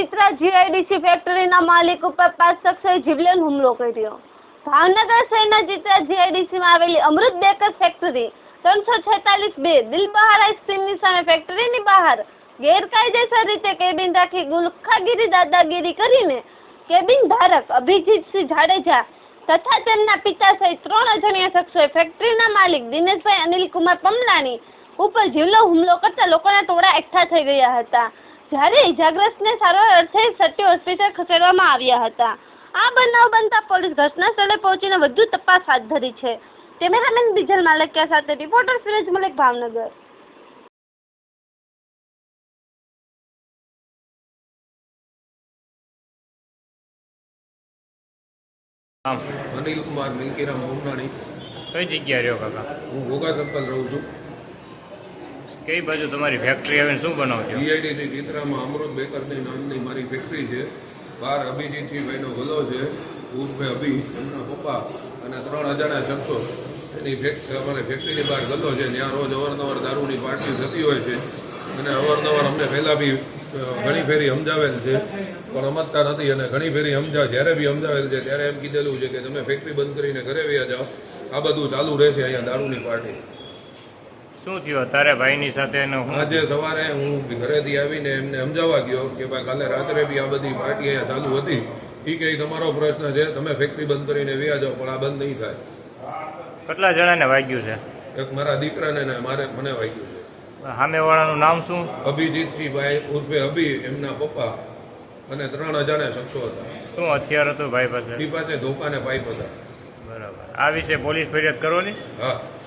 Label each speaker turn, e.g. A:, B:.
A: Chitra GIDC ફેક્ટરીના માલિક ઉપર 5 શખ્સોએ જીવલેણ હુમલો કર્યો। ભાવનગર શહેરના ચિત્રા જીઆઈડીસીમાં આવેલી અમૃત બેકર ફેક્ટરી 346-2 દિલબહાર આઈસ્ક્રીમની સામે ફેક્ટરીની બહાર ગેરકાયદેસર રીતે કેબિન રાખી ગુલખાગીરી દાદાગીરી કરીને કેબિન ધારક અભિજીતસિંહ જાડેજા તથા તેમના પિતા સહિત 3 અજાણ્યા શખ્સોએ ફેક્ટરીના માલિક દિનેશભાઈ અનિલકુમાર પમલાની ઉપર જીવલેણ હુમલો કરતા લોકોના ટોળા એકઠા થઈ ગયા હતા, જ્યારે ઇજાગ્રસ્તને સારવાર અર્થે સટી હોસ્પિટલ ખસેડવામાં આવ્યા હતા। આ બનાવ બનતા પોલીસ ઘટના સ્થળે પહોંચીને વધુ તપાસ હાથ ધરી છે। કેમેરામેન બીજલ માલકિયા સાથે રિપોર્ટર ફિરોજ મલિક, ભાવનગર।
B: અનિલ કુમાર મિલકીરામ મોમનાણી।
C: કઈ જગ્યાએ રહ્યો કાકા?
B: હું ઘોઘા સર્કલ રહું છું।
C: કઈ બાજુ તમારી ફેક્ટરી આવીને શું બનાવજો?
B: જીઆઈડીસી ચિત્રામાં અમૃત બેકરની નામની મારી ફેક્ટરી છે। બહાર અભિજીતસિંહ ભાઈનો ગલો છે, ઉર્ફે અભી, એમના પપ્પા અને 3 અજાણ્યા શખ્સો એની અમારી ફેક્ટરીની બહાર ગલો છે। ત્યાં રોજ અવારનવાર દારૂની પાર્ટી થતી હોય છે અને અવારનવાર અમને પહેલાં બી ઘણી ફેરી સમજાવેલ છે પણ સમજતા નથી અને ઘણી ફેરી જ્યારે બી સમજાવેલ છે ત્યારે એમ કીધેલું છે કે તમે ફેક્ટરી બંધ કરીને ઘરે વ્યા જાઓ, આ બધું ચાલુ રહેશે અહીંયા દારૂની પાર્ટી।
C: શું થયું તારે ભાઈની સાથે?
B: આજે સવારે હું ઘરેથી આવીને એમને સમજાવવા ગયો કે ભાઈ કાલે રાત્રે બી આ બધી પાર્ટી અહીંયા ચાલુ હતી। એ કે તમારો પ્રશ્ન છે, તમે ફેક્ટરી બંધ કરીને વ્યા જાઓ પણ આ બંધ નહીં થાય।
C: કેટલા જણાને વાગ્યું છે?
B: એક મારા દીકરાને ને મને વાગ્યું છે।
C: સામેવાળાનું નામ શું?
B: અભિજીતસિંહ ભાઈ ઉર્ફે અભી, એમના પપ્પા અને 3 અજાણ્યા શખ્સો હતા।
C: શું હથિયાર હતું ભાઈ પાસે?
B: એ પાસે ધોકા ને પાઇપ હતા।
C: બરાબર, આ વિશે પોલીસ ફરિયાદ કરવાની?
B: હા।